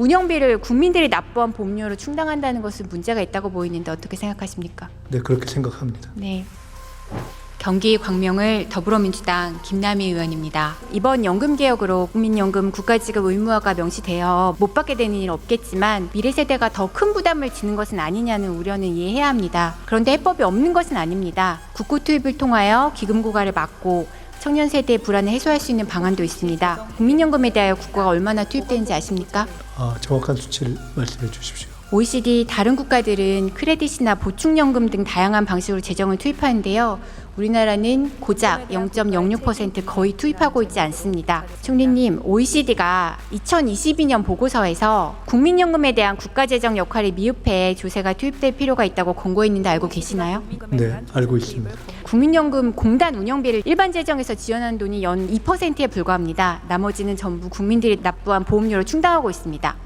운영비를 국민들이 납부한 보험료로 충당한다는 것은 문제가 있다고 보이는데 어떻게 생각하십니까? 네, 그렇게 생각합니다. 네. 경기 광명을 더불어민주당 김남희 의원입니다. 이번 연금개혁으로 국민연금 국가지급 의무화가 명시되어 못 받게 되는 일 없겠지만 미래 세대가 더 큰 부담을 지는 것은 아니냐는 우려는 이해해야 합니다. 그런데 해법이 없는 것은 아닙니다. 국고 투입을 통하여 기금 고갈을 막고 청년 세대의 불안을 해소할 수 있는 방안도 있습니다. 국민연금에 대하여 국고가 얼마나 투입되는지 아십니까? 정확한 수치를 말씀해 주십시오. OECD 다른 국가들은 크레딧이나 보충연금 등 다양한 방식으로 재정을 투입하는데요. 우리나라는 고작 0.06% 거의 투입하고 있지 않습니다. 총리님, OECD가 2022년 보고서에서 국민연금에 대한 국가재정 역할이 미흡해 조세가 투입될 필요가 있다고 권고했는데 알고 계시나요? 네, 알고 있습니다. 국민연금 공단 운영비를 일반 재정에서 지원하는 돈이 연 2%에 불과합니다. 나머지는 전부 국민들이 납부한 보험료로 충당하고 있습니다.